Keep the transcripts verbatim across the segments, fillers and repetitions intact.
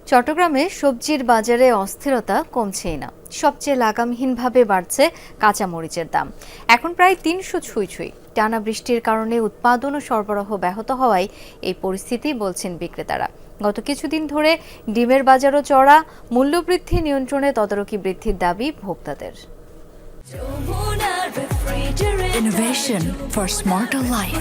চট্টগ্রামে সবজির বাজারে অস্থিরতা কমছেই না। সবচেয়ে লাগামহীনভাবে বাড়ছে কাঁচামরিচের দাম। এখন প্রায় তিনশো ছুঁই ছুঁই। টানা বৃষ্টির কারণে উৎপাদন ও সরবরাহ ব্যাহত হওয়ায় এই পরিস্থিতি বলছেন বিক্রেতারা। গত কিছুদিন ধরে ডিমের বাজারও চড়া। মূল্যবৃদ্ধি নিয়ন্ত্রণে তদারকি বৃদ্ধির দাবি ভোক্তাদের। Innovation for smarter life.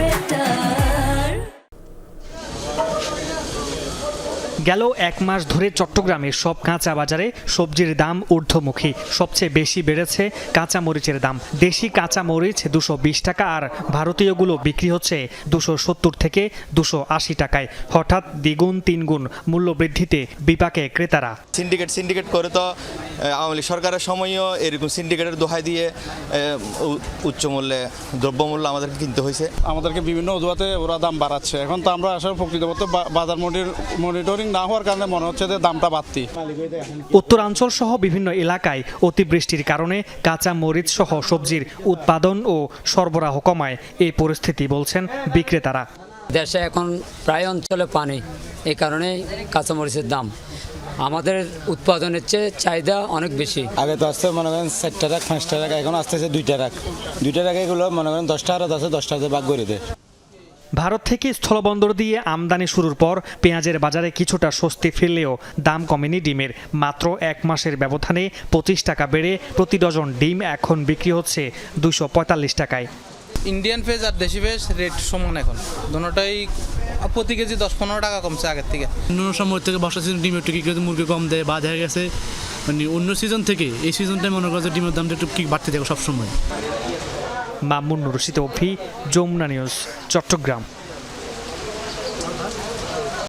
গেল এক মাস ধরে চট্টগ্রামের সব কাঁচা বাজারে সবজির দাম ঊর্ধ্বমুখী। সবচেয়ে বেশি বেড়েছে কাঁচা মরিচের দাম। দেশি কাঁচা মরিচ দুশো বিশ টাকা আর ভারতীয়গুলো বিক্রি হচ্ছে দুশো সত্তর থেকে দুশো আশি টাকায়। হঠাৎ দ্বিগুণ তিনগুণ মূল্য বৃদ্ধিতে বিপাকে ক্রেতারা। সিন্ডিকেট সিন্ডিকেট করে তো আওয়ামী লীগ সরকারের সময়ও এরকম সিন্ডিকেটের দোহাই দিয়ে উচ্চ মূল্যে দ্রব্যমূল্য আমাদেরকে কিনতে হয়েছে। আমাদেরকে বিভিন্ন অজুহাতে ওরা দাম বাড়াচ্ছে। এখন তো আমরা আসলে প্রকৃতপক্ষে বাজার মনিটরিং না হওয়ার কারণে মনে হচ্ছে যে দামটা বাড়তি। উত্তরাঞ্চল সহ বিভিন্ন এলাকায় অতিবৃষ্টির কারণে কাঁচা মরিচ সহ সবজির উৎপাদন ও সরবরাহ কমায় এই পরিস্থিতি বলছেন বিক্রেতারা। দেশে এখন প্রায় অঞ্চলে পানি, এই কারণে কাঁচামরিচের দাম আমাদের উৎপাদনের চেয়ে চাহিদা অনেক বেশি। আগে তো আসতে মনে করেন চারটা রাখ পাঁচটা রাখ, এখন আসতেছে দুইটা রাখ দুইটা রাখ এগুলো মনে করেন দশটা আর আছে দশটাতে ভাগ করে দেয়। ভারত থেকে স্থলবন্দর দিয়ে আমদানি শুরুর পর পেঁয়াজের বাজারে কিছুটা স্বস্তি ফিরলেও দাম কমেনি ডিমের। মাত্র এক মাসের ব্যবধানে পঁচিশ টাকা বেড়ে প্রতি ডজন ডিম এখন বিক্রি হচ্ছে দুশো পঁয়তাল্লিশ টাকায়। ইন্ডিয়ান পেঁয়াজ আর দেশি পেঁয়াজ রেট সমান, এখন দুটোটাই প্রতি কেজি দশ পনেরো টাকা কমছে আগের থেকে। অন্য সময় থেকে বর্ষা সিজন ডিমের একটু কি মুরগি কম দেয় বা দেখা গেছে মানে অন্য সিজন থেকে এই সিজনটাই মনে করছে ডিমের দামটা একটু কি বাড়তে থাকে সবসময়। মামুন রশিদ অভি, যমুনা নিউজ, চট্টগ্রাম।